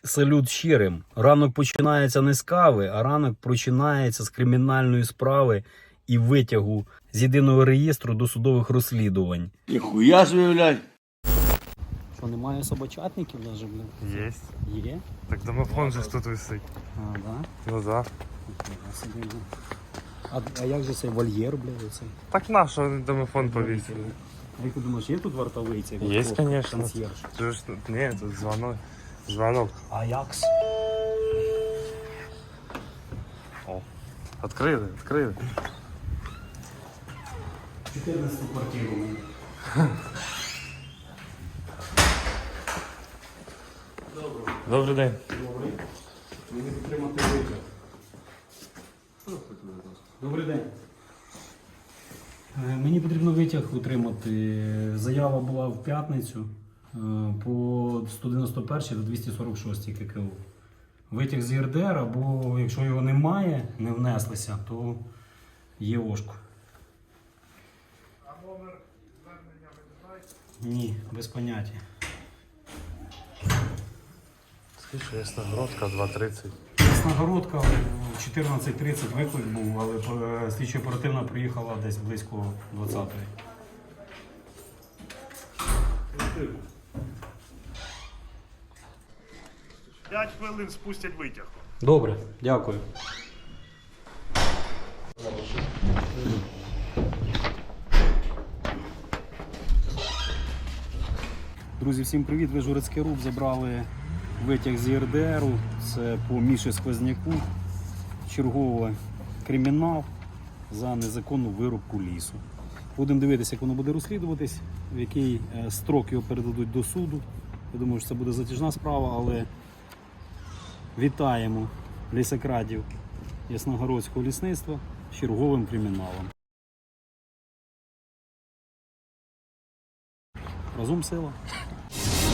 Салют щирим. Ранок починається не з кави, а ранок починається з кримінальної справи і витягу з єдиного реєстру досудових розслідувань. Ніхуя собі, блядь. Що, немає собачатників навіть, блядь? Есть. Є? Так домофон же ж тут висить. А, да? Ну да. А як же цей вольєр, блядь, оцей? Так на що домофон повісили? А як ти думаєш, є тут вартовий цей? Є, хлопець, конечно. консьєрж? Це ж ні, тут дзвонок. Звонок. Аякс. О. Відкрили, відкрили. 14-ту квартиру. Добрий день. Добрий. Мені підтримати витяг. Добрий день. Мені потрібно витяг утримати. Заява була в п'ятницю по 191 та 246 ККУ. Витяг з ЄРДР, або якщо його немає, не внеслися, то є ОШКО. А номер звернення ви не знаєте? Ні, без поняття. Слушай, Ясногородка 2:30. Ясногородка в 14:30 виклик був, але слідчо оперативна приїхала десь близько 20-ї. 5 хвилин спустять витяг. Добре, дякую. Друзі, всім привіт! Ви Журецький РУП забрали витяг з ЄРДРу. Це по Міші Сквозняку. Черговий кримінал за незаконну вирубку лісу. Будемо дивитися, як воно буде розслідуватись, в який строк його передадуть до суду. Я думаю, що це буде затяжна справа, але вітаємо лісокрадів Ясногородського лісництва з черговим криміналом. Разом сила.